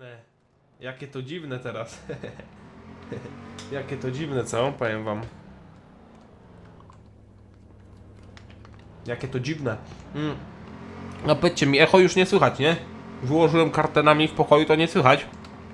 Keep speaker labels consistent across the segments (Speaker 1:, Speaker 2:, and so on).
Speaker 1: dziwne. Jakie to dziwne teraz. Jakie to dziwne, co? Powiem wam. Jakie to dziwne. No powiedzcie mi, echo już nie słychać, nie? Wyłożyłem kartenami w pokoju, to nie słychać.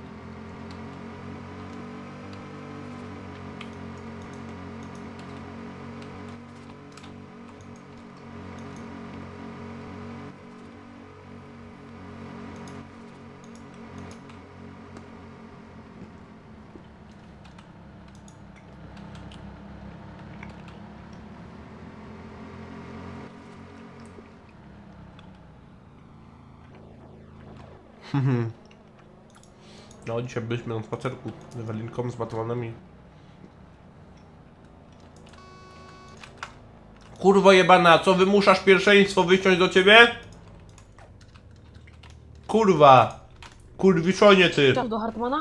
Speaker 1: No, dzisiaj byliśmy na spacerku z Ewelinką, z Batmanami. Kurwo jebana, co wymuszasz pierwszeństwo wysiąść do ciebie? Kurwa! Kurwiszonie ty!
Speaker 2: Czas do Hartmana?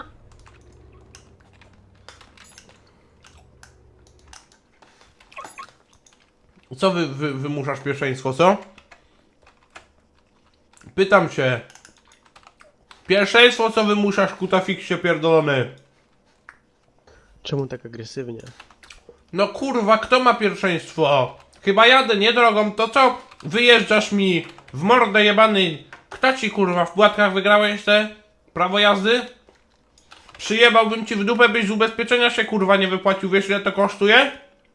Speaker 1: Co wymuszasz pierwszeństwo, co? Pytam się. Pierwszeństwo co wymuszasz, kutafiksie pierdolony?
Speaker 3: Czemu tak agresywnie?
Speaker 1: No kurwa, kto ma pierwszeństwo? Chyba jadę, nie drogą, to co? Wyjeżdżasz mi w mordę jebany. Kto ci kurwa w płatkach wygrałeś te prawo jazdy? Przyjebałbym ci w dupę, byś z ubezpieczenia się kurwa nie wypłacił, wiesz ile to kosztuje?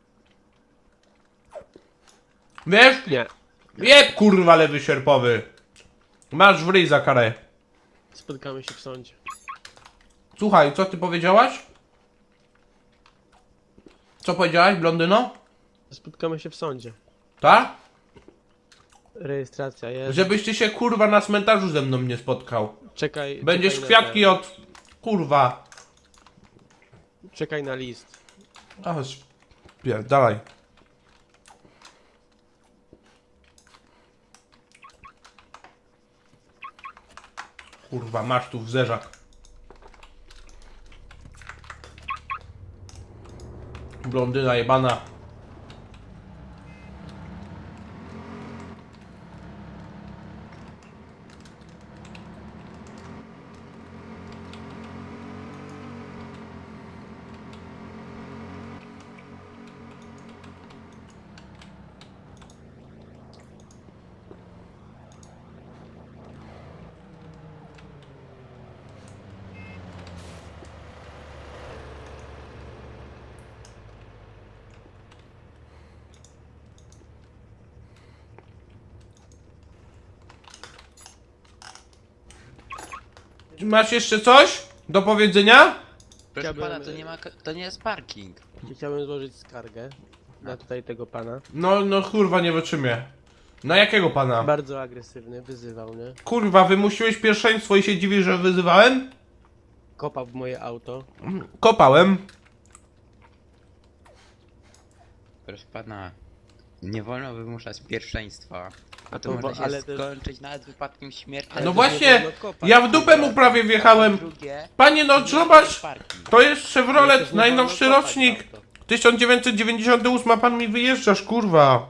Speaker 1: Wiesz?
Speaker 3: Nie.
Speaker 1: Jeb kurwa lewy sierpowy. Masz w ryj za karę.
Speaker 3: Spotkamy się w sądzie.
Speaker 1: Słuchaj, co ty powiedziałaś? Co powiedziałaś, blondyno?
Speaker 3: Spotkamy się w sądzie.
Speaker 1: Tak?
Speaker 3: Rejestracja jest.
Speaker 1: Żebyś ty się kurwa na cmentarzu ze mną nie spotkał.
Speaker 3: Czekaj.
Speaker 1: Będziesz
Speaker 3: czekaj
Speaker 1: kwiatki
Speaker 3: na
Speaker 1: od... kurwa.
Speaker 3: Czekaj na list.
Speaker 1: Aż... Dalej. Kurwa, masz tu w zerzach. Blondyna jebana. Masz jeszcze coś do powiedzenia?
Speaker 4: Proszę
Speaker 3: Chciałbym-
Speaker 4: pana, to nie jest parking.
Speaker 3: Chciałbym złożyć skargę na tutaj tego pana.
Speaker 1: No kurwa, nie wytrzymię. Na jakiego pana?
Speaker 3: Bardzo agresywny, wyzywał mnie.
Speaker 1: Kurwa, wymusiłeś pierwszeństwo i się dziwisz, że wyzywałem?
Speaker 3: Kopał w moje auto.
Speaker 1: Kopałem.
Speaker 4: Proszę pana, nie wolno wymuszać pierwszeństwa. A to
Speaker 3: to
Speaker 4: może
Speaker 3: bo-
Speaker 4: się
Speaker 3: ale to-
Speaker 4: skończyć nawet wypadkiem śmiertelnym.
Speaker 3: Ale
Speaker 1: No
Speaker 3: to
Speaker 1: właśnie,
Speaker 3: nie wolno kopać.
Speaker 1: ja w dupę mu prawie wjechałem.
Speaker 4: Drugie,
Speaker 1: Panie, no
Speaker 4: to nie
Speaker 1: zobacz,
Speaker 4: jest parking.
Speaker 1: to jest
Speaker 3: Ale
Speaker 1: Chevrolet,
Speaker 3: też nie
Speaker 1: najnowszy
Speaker 3: wolno kopać
Speaker 1: rocznik.
Speaker 3: w auto.
Speaker 1: 1998, a pan mi wyjeżdżasz, kurwa.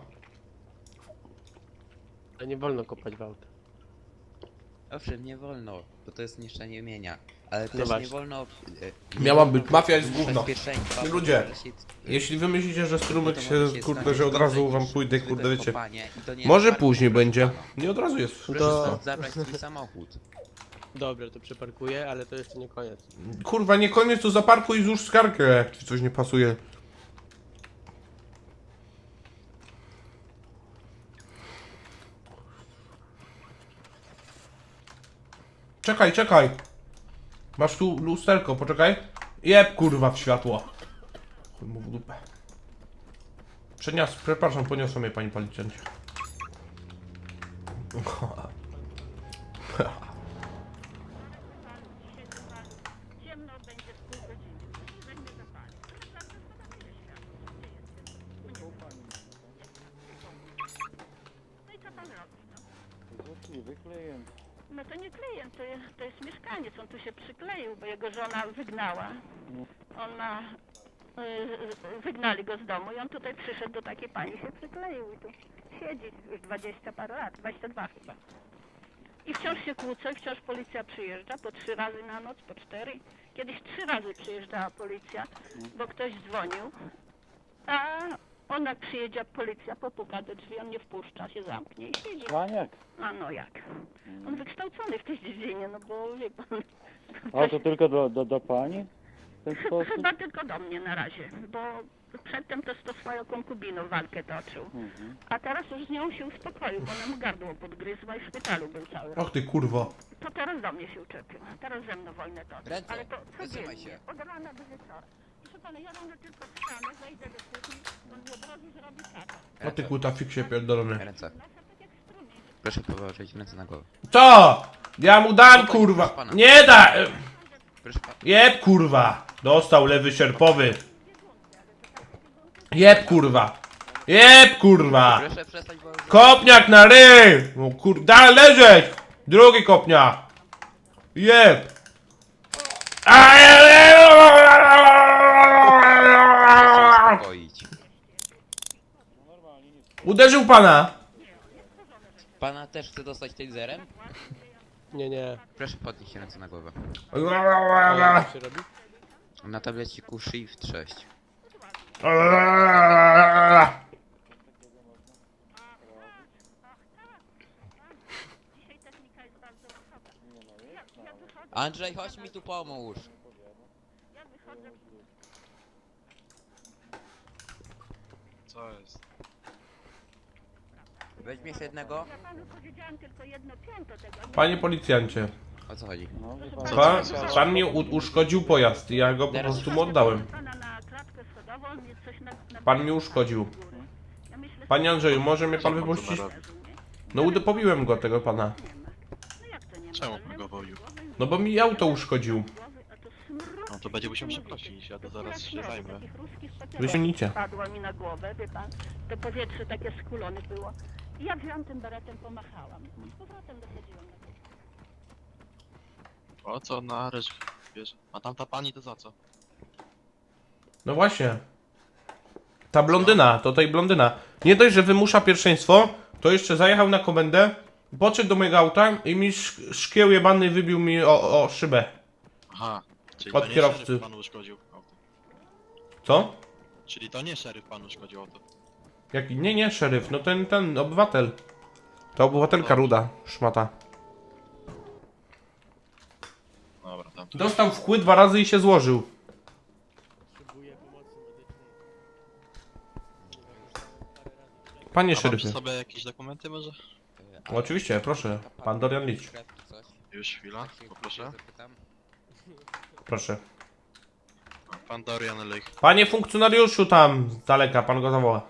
Speaker 3: A nie wolno kopać w auto.
Speaker 4: Owszem, nie wolno, bo to jest niszczenie mienia. Ale
Speaker 3: No
Speaker 4: też
Speaker 3: właśnie.
Speaker 4: nie wolno...
Speaker 1: Miała
Speaker 4: wolno
Speaker 1: być mafia jest
Speaker 4: wymuszać
Speaker 1: gówno.
Speaker 4: pierwszeństwa, bo
Speaker 1: Ludzie,
Speaker 4: to może się-
Speaker 1: Jeśli wy myślicie, że strumyk
Speaker 4: to
Speaker 1: się,
Speaker 4: może
Speaker 1: kurde,
Speaker 4: skończyć
Speaker 1: że od razu
Speaker 4: gorzej
Speaker 1: wam
Speaker 4: niż
Speaker 1: pójdę,
Speaker 4: zwykłe
Speaker 1: kurde, wiecie.
Speaker 4: kopanie i to nie jest
Speaker 1: Może
Speaker 4: parking,
Speaker 1: później
Speaker 4: proszę
Speaker 1: będzie.
Speaker 4: pana.
Speaker 1: Nie od razu jest
Speaker 4: Proszę
Speaker 3: To-
Speaker 4: stąd zabrać swój samochód.
Speaker 3: Dobra, to przeparkuję, ale to jeszcze nie koniec.
Speaker 1: Kurwa, nie koniec, to zaparkuj i złóż skargę, jak ci coś nie pasuje. Czekaj, czekaj. Masz tu lusterko, poczekaj. Jeb, kurwa, w światło. Chuj mu w dupę. Przepraszam, poniosła mnie pani policjancie.
Speaker 5: Ciemno będzie w pół godziny. Weźmie zapalić. Naprawdę zobaczymy światło. Gdzie jestem? No i co pan robi? No to nie klient, to jest mieszkaniec. On tu się przykleił, bo jego żona wygnała. Ona... wygnali go z domu i on tutaj przyszedł do takiej pani, się przykleił i tu siedzi już 20 parę lat, 22 chyba. I wciąż się kłócą, i wciąż policja przyjeżdża po 3 razy na noc, po 4. Kiedyś 3 razy przyjeżdżała policja, bo ktoś dzwonił, a on jak przyjedzie policja, popuka do drzwi, on nie wpuszcza, się zamknie i siedzi.
Speaker 2: Maniak.
Speaker 5: A no jak? On wykształcony w tej dziedzinie, no bo wie pan...
Speaker 2: A to tylko do pani? W ten sposób?
Speaker 5: Chyba tylko do mnie na razie, bo przedtem to z tą swoją konkubiną walkę toczył. A teraz już z nią się uspokoił, bo ona mu gardło podgryzła i w szpitalu był cały rok.
Speaker 1: Och ty kurwo.
Speaker 5: To teraz do mnie się uczepił, a teraz ze mną wojnę toczy.
Speaker 4: Ręce,
Speaker 5: Ale to
Speaker 4: wysuwaj
Speaker 5: codziennie,
Speaker 4: się.
Speaker 5: od rana do wieczora. Proszę pana, ja rano tylko wstanę, wejdę do kuchni, on mi od razu zrobi kawę.
Speaker 1: O ty kutafiksie pierdolony.
Speaker 4: Ręce.
Speaker 5: Nasza tak jak strumień.
Speaker 4: Proszę położyć ręce na głowę.
Speaker 1: Co? Ja mu dam kurwa. Nie da!
Speaker 4: Proszę pana.
Speaker 1: Jeb kurwa. Dostał lewy sierpowy. Jeb kurwa. Jeb kurwa.
Speaker 4: Proszę przestać, bo...
Speaker 1: Kopniak na ryj! No kurda, leżeć! Drugi kopniak! Jeb!
Speaker 4: uspokoić.
Speaker 1: Uderzył pana!
Speaker 4: Pana też chce dostać taserem?
Speaker 3: Nie.
Speaker 4: Proszę podnieść ręce na głowę.
Speaker 3: A jak się robi?
Speaker 4: Na tableciku Shift 6.
Speaker 5: Dzisiaj technika jest bardzo wysoka. Ja wychodzę,
Speaker 4: Andrzej, chodź mi tu pomóż.
Speaker 5: ja wychodzę.
Speaker 6: Co jest?
Speaker 4: Weźmie się jednego.
Speaker 5: Ja panu powiedziałam tylko jedno pięto tego. Nie
Speaker 1: Panie policjancie,
Speaker 4: O co chodzi?
Speaker 2: No, wie pan.
Speaker 1: pan mi uszkodził pojazd i ja go po prostu mu oddałem.
Speaker 5: pana na klatkę schodową, on mnie coś na
Speaker 1: Pan mi uszkodził.
Speaker 5: Ja myślę,
Speaker 1: Panie Andrzeju, może mnie pan wypuścić? No pobiłem go, tego pana.
Speaker 5: no jak to nie ma?
Speaker 6: Czemu pan go woził?
Speaker 1: No bo mi auto uszkodził.
Speaker 5: A to smród.
Speaker 6: No to będzie musiał przeprosić, ja to zaraz się zajmę.
Speaker 5: Takich ruskich
Speaker 1: Wyśmienicie.
Speaker 5: Padło mi na głowę, wie pan, to powietrze takie skulone było. I ja wziąłem tym beretem, pomachałam. I z powrotem dochodziłam na to.
Speaker 6: O co na ryż bierze? A tamta pani to za co?
Speaker 1: No właśnie. Ta blondyna, to tej blondyna. Nie dość, że wymusza pierwszeństwo, to jeszcze zajechał na komendę, podszedł do mojego auta i mi szkieł jebany wybił mi o szybę.
Speaker 6: Aha, czyli
Speaker 1: Od
Speaker 6: to nie
Speaker 1: kierowcy.
Speaker 6: szeryf panu uszkodził auto.
Speaker 1: Co?
Speaker 6: Czyli to nie szeryf panu uszkodził auto.
Speaker 1: Jaki? Nie, szeryf, no ten obywatel. Ta obywatelka ruda, szmata.
Speaker 6: Dobra, tam.
Speaker 1: Dostał w kły 2 razy i się złożył.
Speaker 3: Potrzebuję pomocy medycznej.
Speaker 1: Panie
Speaker 6: A mam przy
Speaker 1: szeryfie.
Speaker 6: sobie jakieś dokumenty może?
Speaker 1: Oczywiście, proszę. Pan Dorian Licz.
Speaker 4: Krew czy coś?
Speaker 6: Już chwila,
Speaker 4: Tak się
Speaker 6: poproszę.
Speaker 4: zapytam.
Speaker 1: Proszę.
Speaker 6: Pan Dorian Lych.
Speaker 1: Panie funkcjonariuszu tam z daleka, pan go zawoła.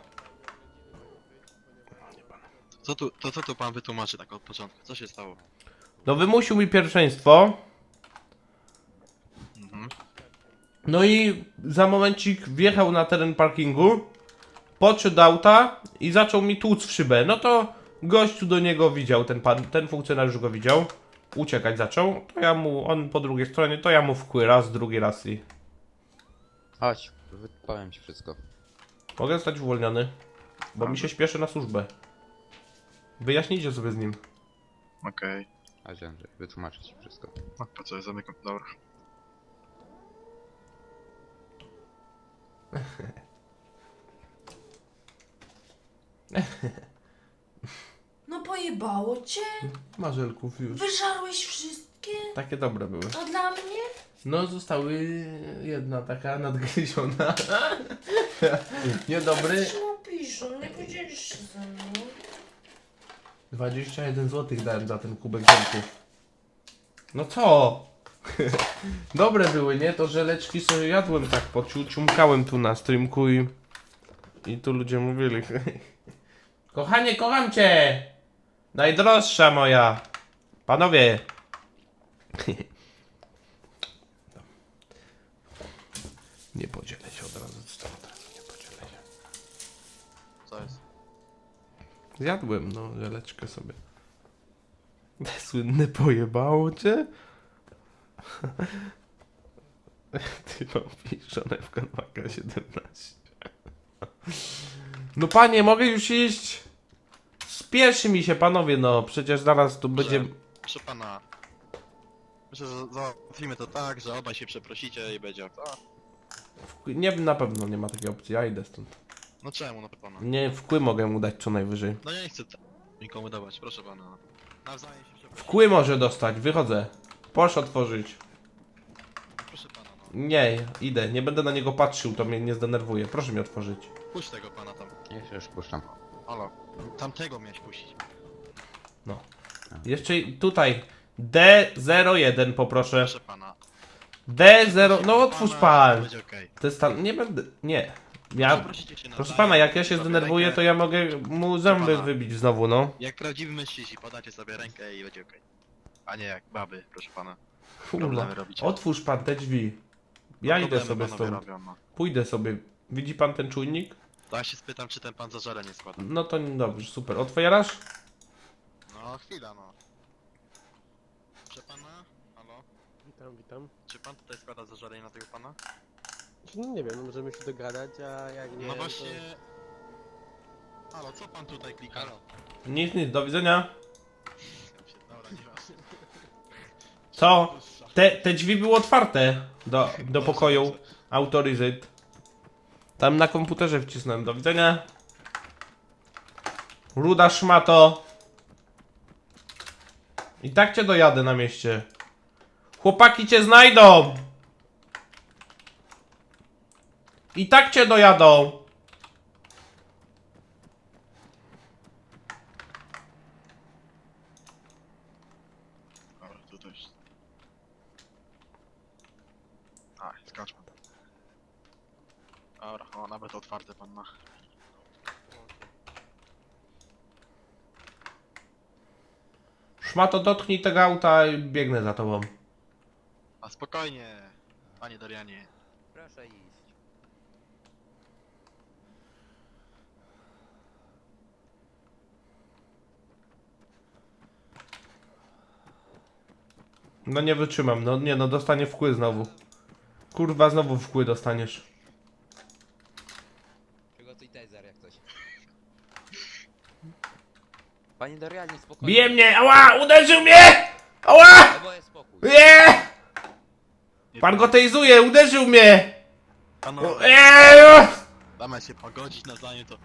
Speaker 6: Co tu pan wytłumaczy tak od początku? Co się stało?
Speaker 1: No wymusił mi pierwszeństwo.
Speaker 6: Mhm.
Speaker 1: No i za momencik wjechał na teren parkingu, podszedł do auta i zaczął mi tłuc w szybę. No to gościu do niego widział, ten funkcjonariusz go widział. Uciekać zaczął, to ja mu, on po drugiej stronie, to ja mu wkły raz, drugi raz i...
Speaker 4: Chodź, powiem ci wszystko.
Speaker 1: Mogę zostać uwolniony, bo mi się śpieszy na służbę. Wyjaśnijcie sobie z nim.
Speaker 6: Okej.
Speaker 4: Chodź Andrzej, wytłumaczę ci wszystko.
Speaker 6: No po co ja zamykam? Dobra.
Speaker 7: No pojebało cię?
Speaker 1: Marzelków już.
Speaker 7: Wyżarłeś wszystkie?
Speaker 1: Takie dobre były.
Speaker 7: A dla mnie?
Speaker 1: No zostały jedna taka nadgryziona. Niedobry.
Speaker 7: Coś napiszą, nie podzielisz się ze mną.
Speaker 1: 21 zł dałem za ten kubek ziomków. No co? Dobre były, nie? To żeleczki sobie jadłem tak, ciumkałem tu na streamku i tu ludzie mówili. Kochanie, kocham cię! Najdroższa moja! Panowie! Nie podzielę się od razu z tobą, nie podzielę się.
Speaker 6: Co jest?
Speaker 1: Zjadłem, no, żeleczkę sobie. Słynne pojebało cię? Ty robisz żonę w kanwaka 17. No panie, mogę już iść? Spieszy mi się, panowie, no, przecież zaraz tu będzie...
Speaker 6: proszę pana. Myślę, że załatwimy to tak, że obaj się przeprosicie i będzie to.
Speaker 1: Nie, na pewno nie ma takiej opcji, ja idę stąd.
Speaker 6: No czemu, no pana?
Speaker 1: Nie, wkły mogę mu dać co najwyżej.
Speaker 6: No ja nie chcę nikomu dawać, proszę pana. Nawzajem się przeprosicie.
Speaker 1: Wkły może dostać, wychodzę. Proszę otworzyć.
Speaker 6: Proszę pana, no.
Speaker 1: Nie, idę, nie będę na niego patrzył, to mnie nie zdenerwuje. Proszę mi otworzyć.
Speaker 6: Puść tego pana tam.
Speaker 4: Już puszczam.
Speaker 6: Halo. Tamtego miałeś puścić.
Speaker 1: No. Jeszcze tutaj D01 poproszę.
Speaker 6: Proszę pana.
Speaker 1: D0, no otwórz pan.
Speaker 6: Będzie okej.
Speaker 1: To jest tam, nie będę, nie. Ja,
Speaker 6: Przeprosicie się
Speaker 1: proszę
Speaker 6: nawzajem,
Speaker 1: pana, jak ja się
Speaker 6: sobie
Speaker 1: zdenerwuję,
Speaker 6: rękę.
Speaker 1: to ja mogę mu zęby
Speaker 6: pana.
Speaker 1: wybić znowu, no.
Speaker 6: Jak prawdziwi mężczyźni, podacie sobie rękę i będzie okej. A nie jak baby, proszę pana.
Speaker 1: Kurwa.
Speaker 6: Problemy robicie.
Speaker 1: Otwórz pan te drzwi. Ja idę
Speaker 6: Problemy
Speaker 1: sobie
Speaker 6: panowie
Speaker 1: stąd.
Speaker 6: robią, no.
Speaker 1: Pójdę sobie. Widzi pan ten czujnik?
Speaker 6: To ja się spytam, czy ten pan zażalenie składa.
Speaker 1: No to dobrze, super. Otwierasz?
Speaker 6: No chwila, no. Proszę pana? Halo?
Speaker 3: Witam.
Speaker 6: Czy pan tutaj składa zażalenie na tego pana?
Speaker 3: No nie wiem, no możemy się dogadać, a jak nie,
Speaker 6: No
Speaker 3: to...
Speaker 6: właśnie... Halo, co pan tutaj klika?
Speaker 4: Halo.
Speaker 1: Nic, do widzenia.
Speaker 6: Dobra, nieważne.
Speaker 1: Co? Te drzwi były otwarte do pokoju. Autoryzate. Tam na komputerze wcisnąłem. Do widzenia. Ruda szmato. I tak cię dojadę na mieście. Chłopaki cię znajdą. I tak cię dojadą.
Speaker 6: Dobra, to też. A, skacz pan. Dobra, o, nawet otwarte pan ma.
Speaker 1: Szmato, dotknij tego auta i biegnę za tobą.
Speaker 6: A spokojnie, panie Dorianie.
Speaker 4: Proszę iść.
Speaker 1: No nie wytrzymam, no nie no, dostanie wkły znowu. Kurwa, znowu wkły dostaniesz.
Speaker 4: Przygotuj taser jak coś. Panie Dorianie, spokojnie.
Speaker 1: Bije mnie! Ała! Uderzył mnie! Ała!
Speaker 4: Oboje spokój.
Speaker 1: Nie! Pan go tejzuje! Uderzył mnie!
Speaker 6: Panowie, damy się pogodzić nawzajem to...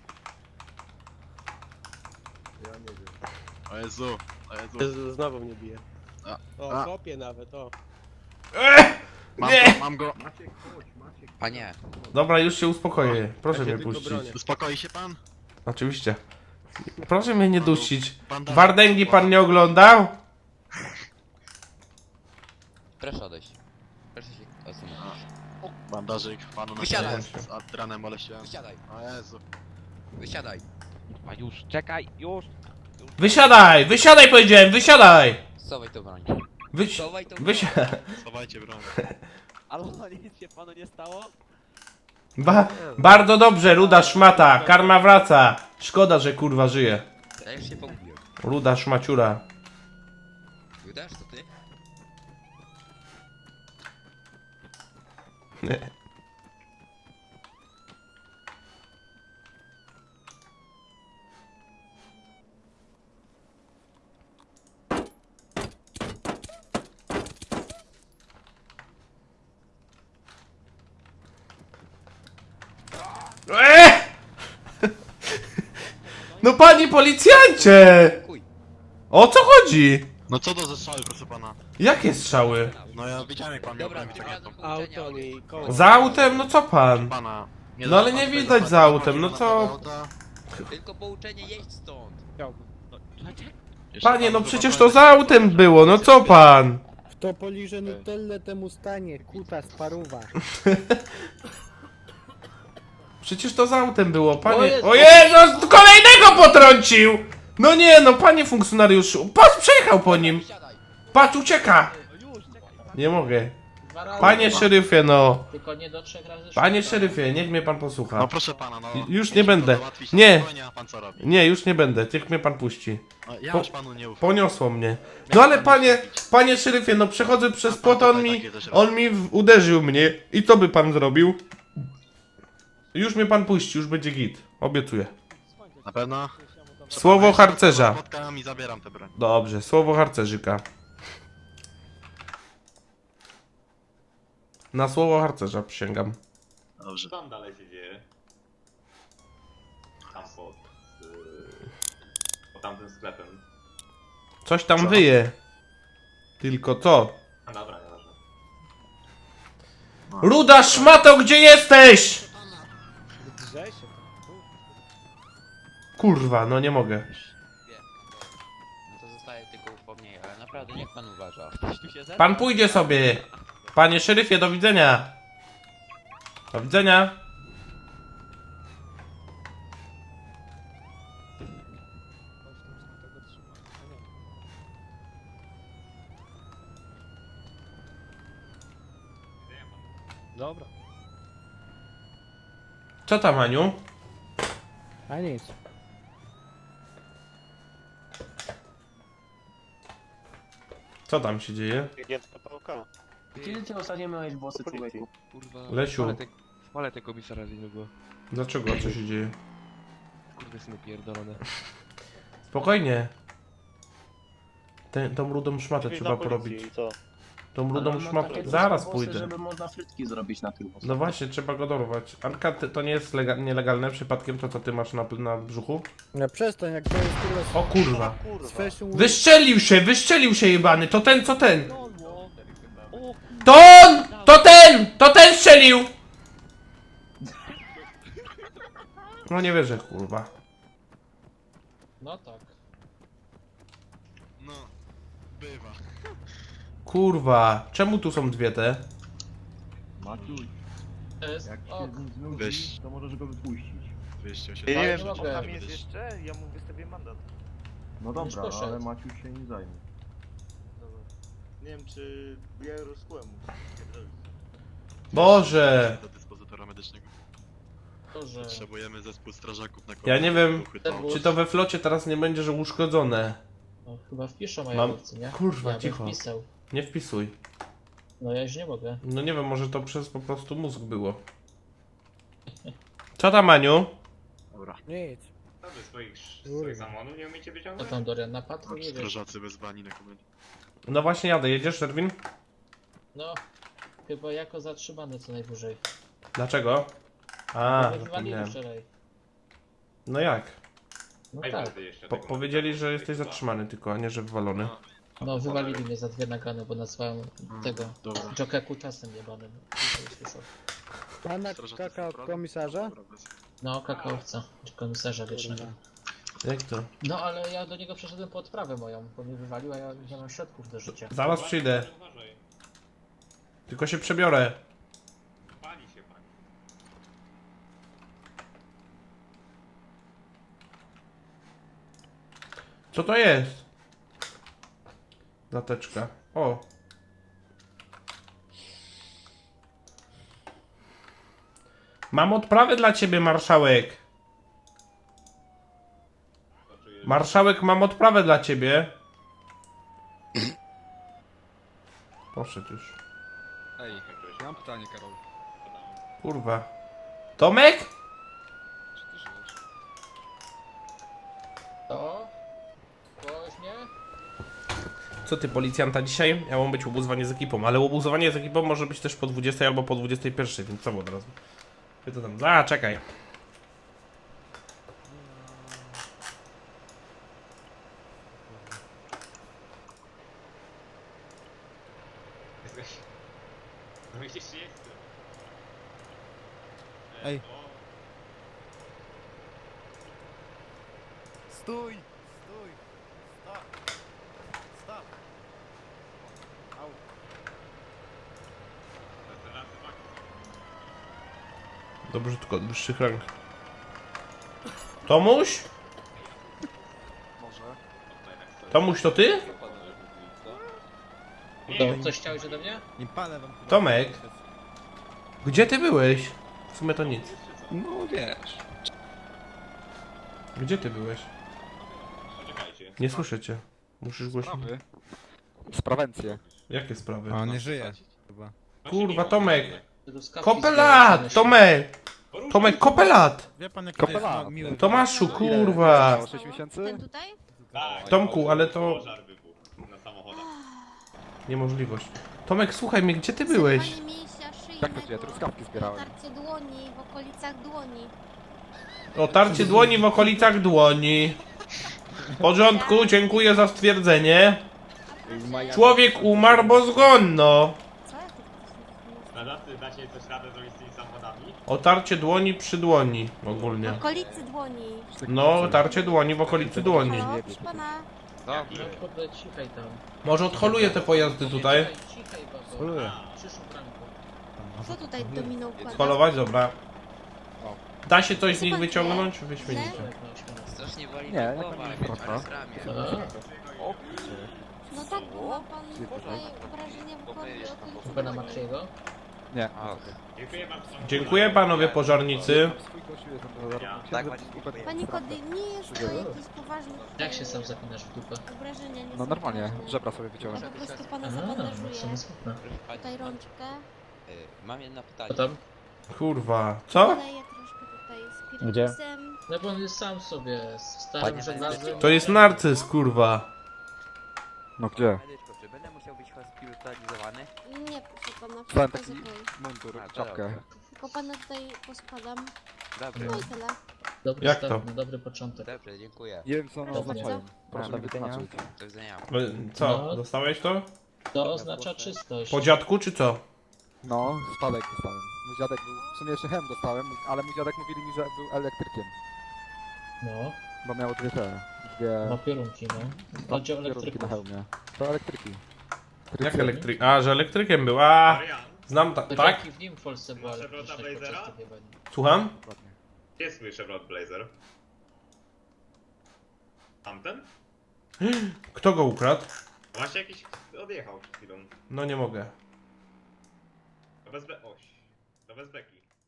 Speaker 6: O Jezu, o Jezu.
Speaker 3: Znowu mnie bije. O,
Speaker 6: A.
Speaker 3: kopie nawet, o.
Speaker 1: Nie!
Speaker 6: Mam go.
Speaker 4: Panie,
Speaker 1: Dobra, już się uspokoję. Proszę
Speaker 3: Ja się
Speaker 1: mnie
Speaker 3: tylko
Speaker 1: puścić.
Speaker 3: bronię.
Speaker 6: Uspokoi się pan?
Speaker 1: Oczywiście. Proszę mnie nie dusić.
Speaker 6: Bandaże.
Speaker 1: Wardęgi pan nie oglądał?
Speaker 4: proszę odejść. Proszę się odsunąć.
Speaker 6: Bandażyk panu na
Speaker 4: Wysiadaj.
Speaker 6: z adranem moleściłem.
Speaker 4: Wysiadaj,
Speaker 6: O Jezu.
Speaker 4: wysiadaj.
Speaker 8: A już, czekaj, już!
Speaker 1: Wysiadaj! Wysiadaj powiedziałem! Wysiadaj!
Speaker 4: Schowaj to broń.
Speaker 1: Wysi...
Speaker 4: Schowaj to broń.
Speaker 1: Wysiadaj!
Speaker 6: Schowajcie broń.
Speaker 8: Ale nic się panu nie stało?
Speaker 1: Bardzo dobrze, ruda szmata. Karma wraca. Szkoda, że kurwa żyje.
Speaker 4: Ja już się pogubiłem.
Speaker 1: Ruda szmaciura.
Speaker 4: Wydasz to ty?
Speaker 1: No panie policjancie!
Speaker 4: Kuj.
Speaker 1: O co chodzi?
Speaker 6: No co to za strzały, proszę pana?
Speaker 1: Jakie strzały?
Speaker 6: No ja widziałem jak pan miał
Speaker 4: Dobra,
Speaker 6: broń
Speaker 4: tym razem
Speaker 6: wyciągniętą.
Speaker 3: Auto mi koło.
Speaker 1: Za autem? No co pan?
Speaker 6: Pana.
Speaker 1: No ale nie widać za autem, no co?
Speaker 4: Tylko pouczenie jeść stąd.
Speaker 1: Panie, no przecież to za autem było, no co pan?
Speaker 9: Kto poliże Nutellę, temu stanie, kuta sparuwa.
Speaker 1: Przecież to za autem było, panie. O Jezus, kolejnego potrącił! No nie, no panie funkcjonariuszu, patrz, przejechał po nim.
Speaker 4: Wysiadaj.
Speaker 1: Patrz, ucieka! Nie mogę. Panie szeryfie, no.
Speaker 10: Tylko nie do 3 razy
Speaker 1: Panie szeryfie, niech mnie pan posłucha.
Speaker 6: No proszę pana, no.
Speaker 1: Już nie
Speaker 6: musicie
Speaker 1: będę.
Speaker 6: to załatwić
Speaker 1: Nie.
Speaker 6: spokojnie, a pan co robi?
Speaker 1: Nie, już nie będę, niech mnie pan puści.
Speaker 6: No, ja
Speaker 1: Po-
Speaker 6: już panu nie ufam.
Speaker 1: Poniosło mnie. No ale panie szeryfie, no przechodzę przez płot, on mi uderzył mnie. I co by pan zrobił? Już mnie pan puści, już będzie git. Obiecuję.
Speaker 6: Na pewno?
Speaker 1: Słowo harcerza.
Speaker 6: Spotkałem i zabieram tę broń.
Speaker 1: Dobrze, słowo harcerzyka. Na słowo harcerza przysięgam.
Speaker 6: Dobrze.
Speaker 10: Co tam dalej się dzieje? Tam pod tamtym sklepem.
Speaker 1: Coś tam wyje. Tylko co?
Speaker 10: A dobra, nieważne.
Speaker 1: Ruda szmato, gdzie jesteś?
Speaker 3: Drze się.
Speaker 1: Kurwa, no nie mogę.
Speaker 4: Wie. No to zostaje tylko upomnienie, ale naprawdę niech pan uważa.
Speaker 8: Ktoś tu się zebrał?
Speaker 1: Pan pójdzie sobie. Panie szeryfie, do widzenia. Do widzenia.
Speaker 3: Dobra.
Speaker 1: Co tam, Aniu?
Speaker 9: A nic.
Speaker 1: Co tam się dzieje?
Speaker 3: Kiedy ty ostatnio miałeś włosy, człowieku?
Speaker 8: Kurwa.
Speaker 1: Lesiu.
Speaker 8: Spalę te komisarza z niego.
Speaker 1: Dlaczego? Co się dzieje?
Speaker 8: Kurde, syny pierdolone.
Speaker 1: Spokojnie. Tą rudą szmatę trzeba porobić. Tą rudą szmatę. Zaraz pójdę.
Speaker 3: Żeby można frytki zrobić na tych włosach.
Speaker 1: No właśnie, trzeba go dorwać. Anka, to nie jest nielegalne przypadkiem to, co ty masz na brzuchu?
Speaker 9: No przestań, jak to jest
Speaker 1: O kurwa.
Speaker 9: z fashion week.
Speaker 1: Wystrzelił się jebany. To ten, co ten? To on! To ten! To ten strzelił! No nie wierzę, kurwa.
Speaker 3: No tak.
Speaker 6: No, bywa.
Speaker 1: Kurwa, czemu tu są dwie te?
Speaker 6: Weź. To możesz go wypuścić. 280.
Speaker 3: Ja nie wiem,
Speaker 6: Tam
Speaker 3: tam
Speaker 6: jest
Speaker 3: jeszcze, ja mu wystawię mandat.
Speaker 11: No dobra,
Speaker 3: poszedł.
Speaker 11: ale Maciuś się nie zajmie.
Speaker 10: Nie wiem, czy ja rozkłem.
Speaker 1: Boże!
Speaker 6: Do dyspozytora medycznego.
Speaker 3: To, że...
Speaker 6: Potrzebujemy zespół strażaków na
Speaker 1: Ja nie wiem,
Speaker 6: uchwytowy.
Speaker 1: czy to we flocie teraz nie będzie, że uszkodzone.
Speaker 3: No, chyba wpiszę
Speaker 1: Mam-
Speaker 3: majorowcy, nie?
Speaker 1: kurwa,
Speaker 3: Ja bym
Speaker 1: cicho.
Speaker 3: wpisał.
Speaker 1: Nie wpisuj.
Speaker 3: No ja już nie mogę.
Speaker 1: No nie wiem, może to przez po prostu mózg było. Co tam, Aniu?
Speaker 6: Dobra.
Speaker 9: Nic.
Speaker 10: Co wy swoich samochodów nie umiecie
Speaker 3: Co
Speaker 10: wyciągnąć?
Speaker 3: tam, Dorian, na patrol jedziesz?
Speaker 6: Strażacy wezwani na komendzie.
Speaker 1: No właśnie jadę, jedziesz, Erwin?
Speaker 3: No, chyba jako zatrzymany co najwyżej.
Speaker 1: Dlaczego? A,
Speaker 3: Bo wywalili
Speaker 1: zapomniałem.
Speaker 3: wczoraj.
Speaker 1: No jak?
Speaker 3: No
Speaker 10: Ej,
Speaker 3: tak.
Speaker 10: będę jeszcze
Speaker 1: Po
Speaker 10: tego
Speaker 1: powiedzieli, że
Speaker 10: nagrał.
Speaker 1: jesteś zatrzymany tylko, a nie, że wywalony.
Speaker 3: No, wywalili mnie za dwie nagrane, bo nazwałem tego
Speaker 6: Dobra.
Speaker 3: Joker kutasem jebanym. Nikt nie słyszał.
Speaker 9: Pana
Speaker 6: Strażacy
Speaker 9: kaka od
Speaker 6: są
Speaker 9: komisarza?
Speaker 6: Dobra, bez-
Speaker 3: No, kakaowca, komisarza wiecznego.
Speaker 1: Jak to?
Speaker 3: No, ale ja do niego przeszedłem po odprawę moją, bo mnie wywalił, a ja nie mam środków do życia.
Speaker 1: Zaraz przyjdę.
Speaker 10: Uważaj,
Speaker 1: Tylko się przebiorę.
Speaker 10: pali się pani.
Speaker 1: Co to jest? Zateczka. O. Mam odprawę dla ciebie, marszałek. Marszałek, mam odprawę dla ciebie. Poszedł już.
Speaker 11: Ej, ja mam pytanie, Karol.
Speaker 1: Kurwa. Tomek?
Speaker 11: Czy ty żyjesz?
Speaker 3: To? Ktoś mnie?
Speaker 1: Co ty, policjanta dzisiaj? Ja mam być obuzowanie z ekipą, ale obuzowanie z ekipą może być też po 20 albo po 21, więc co od razu? Ty to tam... A, czekaj.
Speaker 10: Jesteś... No gdzieś jestem.
Speaker 11: Ej.
Speaker 10: O,
Speaker 11: Stój! Stój! Stop! Stop! Au!
Speaker 10: to teraz tak.
Speaker 1: Dobrze, tylko od wyższych rank. Tomuś?
Speaker 11: Może?
Speaker 1: Tomuś, to ty?
Speaker 3: To coś chciałeś ode mnie?
Speaker 11: Nie palę wam.
Speaker 1: Tomek? Gdzie ty byłeś? W sumie to nic.
Speaker 11: No wiesz.
Speaker 1: Gdzie ty byłeś?
Speaker 10: Poczekajcie.
Speaker 1: Nie słyszę cię. Musisz głośno.
Speaker 11: Sprawencję.
Speaker 1: Jakie sprawy?
Speaker 11: A, nie żyje. Chyba.
Speaker 1: Kurwa, Tomek!
Speaker 3: Truskawki
Speaker 1: Kopela!
Speaker 3: zbierać,
Speaker 1: Tomek! Tomek, kopelat!
Speaker 11: Wie pan jaki
Speaker 9: Kopela.
Speaker 11: miły.
Speaker 1: Tomaszu, kurwa!
Speaker 11: 6 miesięcy?
Speaker 7: Ten tutaj?
Speaker 10: Tak,
Speaker 1: Tomku, ale to...
Speaker 10: pożar wybuchł na samochodach.
Speaker 1: Niemożliwość. Tomek, słuchaj mnie, gdzie ty byłeś?
Speaker 7: Zerwanie mięśnia szyjnego.
Speaker 11: Jak to gdzie? Truskawki zbierałem.
Speaker 7: Tarcie dłoni, w okolicach dłoni.
Speaker 1: Otarcie dłoni w okolicach dłoni. W porządku, dziękuję za stwierdzenie. Człowiek umarł, bo zgonno.
Speaker 7: Co? Jak to
Speaker 10: Nadawcy, dacie coś radę zrobić z tymi samochodami?
Speaker 1: Otarcie dłoni przy dłoni
Speaker 7: W
Speaker 1: ogólnie.
Speaker 7: okolicy dłoni.
Speaker 1: No, otarcie dłoni w okolicy dłoni.
Speaker 7: Halo, proszę pana.
Speaker 3: No kurde, cichaj tam.
Speaker 1: Może odholuję te pojazdy tutaj.
Speaker 3: Cichaj, babo.
Speaker 11: Holuję.
Speaker 3: Przyszł bramką.
Speaker 7: Co tutaj dominą układa?
Speaker 1: Holować, dobra. Da się coś z nich wyciągnąć? Wyśmienicie.
Speaker 4: Strasznie boli
Speaker 11: Nie,
Speaker 4: mnie
Speaker 11: jak
Speaker 4: głowa,
Speaker 11: pan
Speaker 4: jak
Speaker 11: nie
Speaker 4: mnie
Speaker 11: wkracza?
Speaker 4: ramię.
Speaker 7: No tak, bo ma pan tutaj obrażenia w głowie w okolicy
Speaker 3: Kupę na
Speaker 7: dłoni.
Speaker 3: Matriego?
Speaker 11: Nie.
Speaker 4: Och,
Speaker 10: Dziękuję bardzo.
Speaker 1: Dziękuję panowie pożarnicy.
Speaker 11: Swój gościu jestem do zarobienia.
Speaker 4: Tak,
Speaker 7: Panie Kody, nie jest to jakiś poważny
Speaker 3: Jak się sam zapinasz w dupę?
Speaker 7: obrażenia, nie
Speaker 11: No
Speaker 7: są
Speaker 11: normalnie,
Speaker 7: poważne.
Speaker 11: żebra sobie
Speaker 7: Ja
Speaker 11: wyciąłem.
Speaker 7: po prostu pana
Speaker 3: Aha,
Speaker 7: zabandażuję.
Speaker 3: w sumie smutne.
Speaker 7: Tutaj rączkę.
Speaker 4: mam jedno
Speaker 3: Co
Speaker 4: pytanie.
Speaker 3: tam?
Speaker 1: Kurwa. Co?
Speaker 7: Poleję troszkę tutaj spirytusem.
Speaker 3: No bo on jest sam sobie, z starym
Speaker 4: Panie
Speaker 3: żelazem.
Speaker 1: To jest narcyz, kurwa.
Speaker 11: No gdzie?
Speaker 4: Medyczko, czy będę musiał być hospitalizowany?
Speaker 7: Nie, proszę pana,
Speaker 11: Dostałem
Speaker 7: wszystko
Speaker 11: taki
Speaker 7: jest okej.
Speaker 11: mundur,
Speaker 4: A, to
Speaker 11: czapkę.
Speaker 4: dobrze.
Speaker 7: Tylko pana tutaj poskładam.
Speaker 4: Dobrze,
Speaker 7: No i tyle.
Speaker 3: Dobry
Speaker 1: Jak
Speaker 3: start,
Speaker 1: to?
Speaker 3: no dobry początek.
Speaker 4: dobrze, dziękuję.
Speaker 11: Nie wiem co one
Speaker 7: Proszę
Speaker 11: oznaczają.
Speaker 7: bardzo.
Speaker 11: Proszę mi wytłumaczyć.
Speaker 4: Do widzenia.
Speaker 1: Co?
Speaker 3: No.
Speaker 1: Dostałeś to?
Speaker 3: To oznacza czystość.
Speaker 1: Po dziadku czy co?
Speaker 11: No, spadek dostałem. Mój dziadek był, w sumie jeszcze hem dostałem, ale mój dziadek mówili mi, że był elektrykiem.
Speaker 3: No,
Speaker 11: Bo miał dwie te,
Speaker 3: ma
Speaker 11: dwie
Speaker 3: piorunki, no. Chodzi o
Speaker 11: kierunki na
Speaker 3: elektryków.
Speaker 11: hełmie. To elektryki.
Speaker 1: Jak elektryk? A, że elektrykiem był. A,
Speaker 10: Marian,
Speaker 1: znam
Speaker 3: To
Speaker 1: tak?
Speaker 3: dzięki w nim w Polsce była
Speaker 10: Masz
Speaker 3: elektryczność
Speaker 10: Chevrota
Speaker 3: podczas
Speaker 10: Blazera?
Speaker 3: tej wojny.
Speaker 1: Słucham?
Speaker 11: Dokładnie.
Speaker 10: gdzie jest mój Chevrolet Blazer? Tamten?
Speaker 1: Kto go ukradł?
Speaker 10: Właśnie jakiś odjechał przed chwilą.
Speaker 1: No nie mogę.
Speaker 10: To bez be... Oś. To bez beki.